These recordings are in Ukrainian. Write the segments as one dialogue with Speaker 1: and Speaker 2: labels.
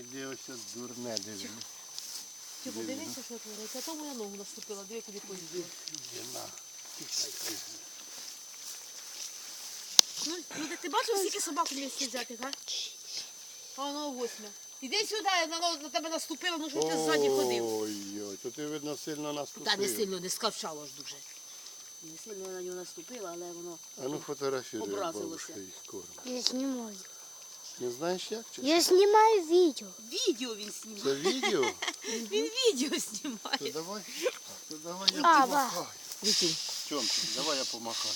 Speaker 1: Іди ось дурне, диви.
Speaker 2: Ти подивися, що твориться. А то моя ногу наступила, диви, куди поїздила.
Speaker 1: Іди на.
Speaker 2: Ну, ти бачив, скільки собак у місті взяти, га? А воно 8. Іди сюди, на тебе наступило, ну що ти ззаді ходив.
Speaker 1: Ой-ой, то ти, видно, сильно наступив.
Speaker 2: Та не сильно, не скавчало ж дуже. Не сильно я на нього наступила, але воно
Speaker 1: А ну фотографіруй, як
Speaker 2: образилося.
Speaker 1: бабушка їх кормить.
Speaker 3: Я знімаю.
Speaker 1: Не знаєш як? Чи?
Speaker 3: Я знімаю відео.
Speaker 2: Відео він знімає.
Speaker 1: Це відео?
Speaker 2: Він відео знімає.
Speaker 1: То давай я
Speaker 3: Баба.
Speaker 1: помахаю.
Speaker 2: Вітю.
Speaker 1: Тьомчик, давай я помахаю.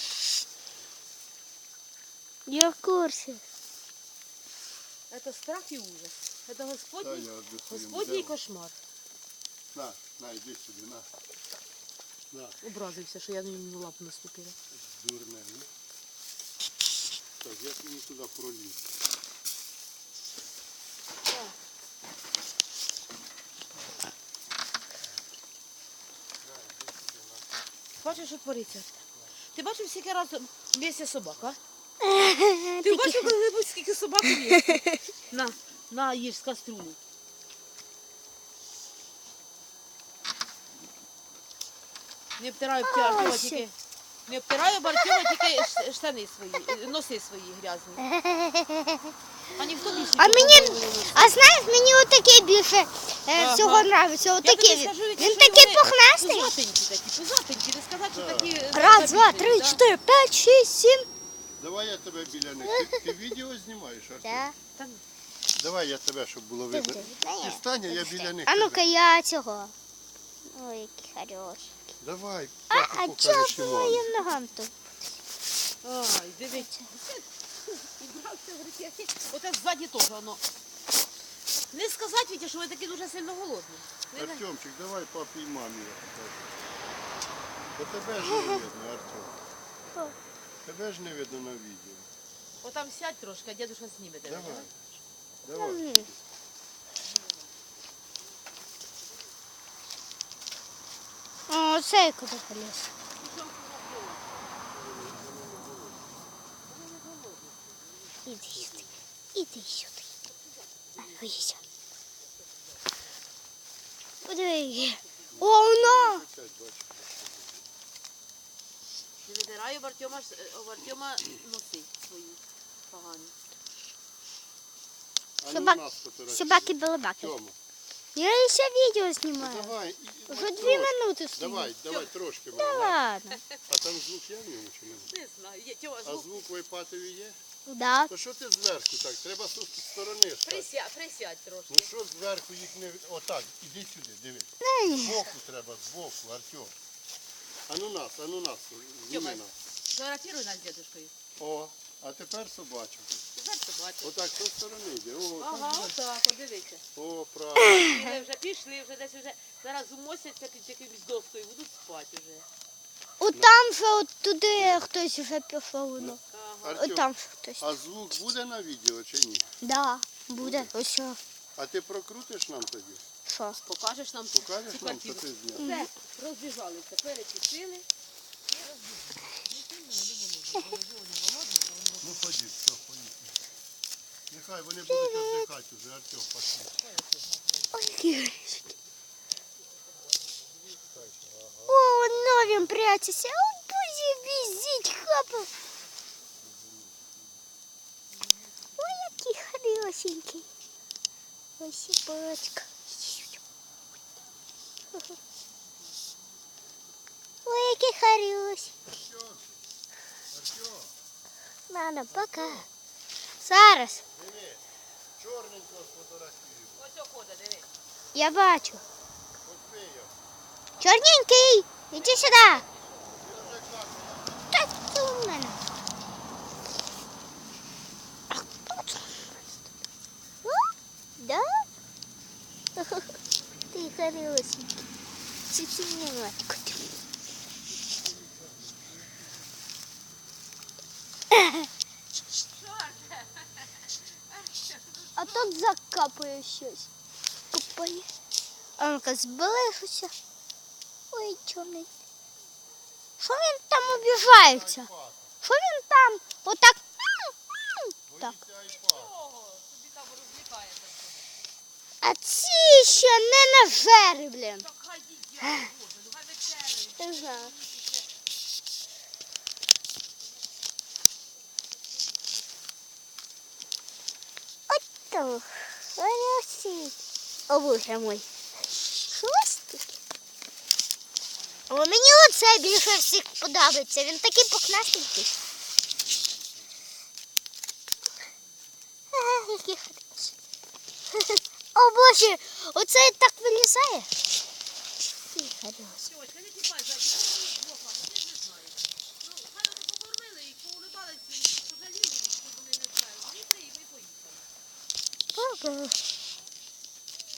Speaker 3: Я в курсі.
Speaker 2: Це страх і ужас. Це
Speaker 1: Та
Speaker 2: Господній,
Speaker 1: я одну своїм
Speaker 2: Господній
Speaker 1: взяв.
Speaker 2: кошмар.
Speaker 1: На, йди сюди, на.
Speaker 2: Образився, що я на нього лапу наступила.
Speaker 1: Дурне, ну. Так, як мені туди проліз?
Speaker 2: Бачиш, що твориться? Ти бачив, скільки разів місця собак, а? Ти бачив, коли-небудь, скільки собак у місці? На, їж з каструлі. Не обтираю Артема тільки. Не обтираю Артема тільки штани свої, носи свої грязні. А ніхто більше.
Speaker 3: А
Speaker 2: нічого
Speaker 3: мені,
Speaker 2: не носить.
Speaker 3: а знаєш, мені отакий більше всього подобається.
Speaker 2: Я
Speaker 3: Отакий
Speaker 2: тобі
Speaker 3: він.
Speaker 2: скажу, Вітя,
Speaker 3: Він
Speaker 2: що
Speaker 3: такий
Speaker 2: вони
Speaker 3: пухнастий.
Speaker 2: Пузатенькі, не сказати, що такі...
Speaker 3: Раз, два, три, 4, 5, 6, 7.
Speaker 1: Давай я тебе біля них. Ти відео знімаєш, Артем?
Speaker 3: Так.
Speaker 2: Та,
Speaker 1: Давай я тебе, щоб було видно. Ти стань, а я біля них.
Speaker 3: А ну-ка я цього. Ой, який хороший.
Speaker 1: Давай,
Speaker 3: А
Speaker 1: папу
Speaker 3: чого
Speaker 1: покажи,
Speaker 3: по
Speaker 1: Шимон.
Speaker 3: моїм ногам тут?
Speaker 2: Ай, дивіться. Убрався в руки. Оце ззаді теж воно. Не сказати, Вітя, що ви такі дуже сильно голодні.
Speaker 1: Артемчик, давай папі і мамі я покажу. Бо тебе ж не видно, Артем.
Speaker 3: Що?
Speaker 1: Тебе ж не видно на відео.
Speaker 2: Отам сядь трошки, а дідуша зніме тебе.
Speaker 1: Давай. Давай.
Speaker 3: О, цей куди поліз. Іди сюди. Іди сюди. Боїся. Подиви. О, воно!
Speaker 2: Не видираю в Артема носи свої погані.
Speaker 1: А
Speaker 3: Собак-
Speaker 1: нас фотографіруй.
Speaker 3: Собаки-балабаки.
Speaker 1: Тьома,
Speaker 3: Я ще відео
Speaker 1: ну
Speaker 3: знімаю.
Speaker 1: давай.
Speaker 3: Вже
Speaker 1: трошки.
Speaker 3: 2 минути стою.
Speaker 1: Давай трошки.
Speaker 3: Да ладно.
Speaker 1: А там звук є в ньому чи не?
Speaker 2: Не знаю, є Тьома,
Speaker 1: А звук в айпатові є?
Speaker 3: Да.
Speaker 1: То що ти зверху так? Треба з сторони стати.
Speaker 2: присядь трошки.
Speaker 1: Ну що зверху їх не... Отак, іди сюди, дивись.
Speaker 3: Ай.
Speaker 1: Збоку треба, збоку, Артем. А ну нас,
Speaker 2: Тьома.
Speaker 1: зніми нас.
Speaker 2: Фотографіруй нас з дідушкою.
Speaker 1: О, а тепер собачок.
Speaker 2: Тепер побачиш.
Speaker 1: Отак, з сторони йде. О,
Speaker 2: Ага,
Speaker 1: так,
Speaker 2: отак, от дивіться.
Speaker 1: о, правильно.
Speaker 2: Пішли, вже десь вже зараз умосяться під якимось доскою, будуть спати вже.
Speaker 3: От там вже от туди хтось вже пішов. Воно.
Speaker 2: Ага.
Speaker 3: От
Speaker 1: Артем,
Speaker 3: там ще хтось.
Speaker 1: а звук буде на відео чи ні?
Speaker 3: Да, буде. Ось що.
Speaker 1: А ти прокрутиш нам тоді?
Speaker 3: Що?
Speaker 2: Покажеш нам
Speaker 1: Покажеш
Speaker 2: цю
Speaker 1: нам, що
Speaker 2: картину?
Speaker 1: ти зняв?
Speaker 2: Все, розбіжалися, перепішили.
Speaker 1: Ну ходіть, все, поїхали. Нехай вони будуть віддихати вже, Артем, пошли.
Speaker 3: Ой, які горішки. О, воно він прячеться. О, бузі, візіть, хапа. Ой, який хорошенький. Ось собачка. Ой, який хороший.
Speaker 1: Артем,
Speaker 3: Ладно, пока. Зараз.
Speaker 1: диви, чорненького сфотографію.
Speaker 2: Ось охода, диви.
Speaker 3: Я бачу.
Speaker 1: От його.
Speaker 3: Чорненький, іди сюди.
Speaker 1: Він вже каже,
Speaker 3: Та це у мене. А хто це? О, да? Ти хорошенький. Цицинятко. А тут закапує щось. Копає. А ну-ка, зближуся. Ой, чорний. Що він там обіжається?
Speaker 1: айпад.
Speaker 3: Що він там? Отак. Так.
Speaker 1: Боїться айпад.
Speaker 2: Ого, тобі там розлікається.
Speaker 3: А ці ще не нажери, блін.
Speaker 2: Так хай їдять, Боже, ну хай вечеряють.
Speaker 3: Не знаю. Ото. Хороший. О, боже мой. Хвостики. О, мені оце більше всіх подобається. Він такий пухнастенький. Ага, який хороший. О, боже, оце так вилізає. Фі, хороший.
Speaker 2: Сьогодні, не тіпай, зайчик, ну, Бога, ну ти ж не знаєш. Ну, хай вони покормили їх, поулибалися, пожаліли їх, щоб вони не впали. Вони приїхали і поїхали.
Speaker 3: Ого.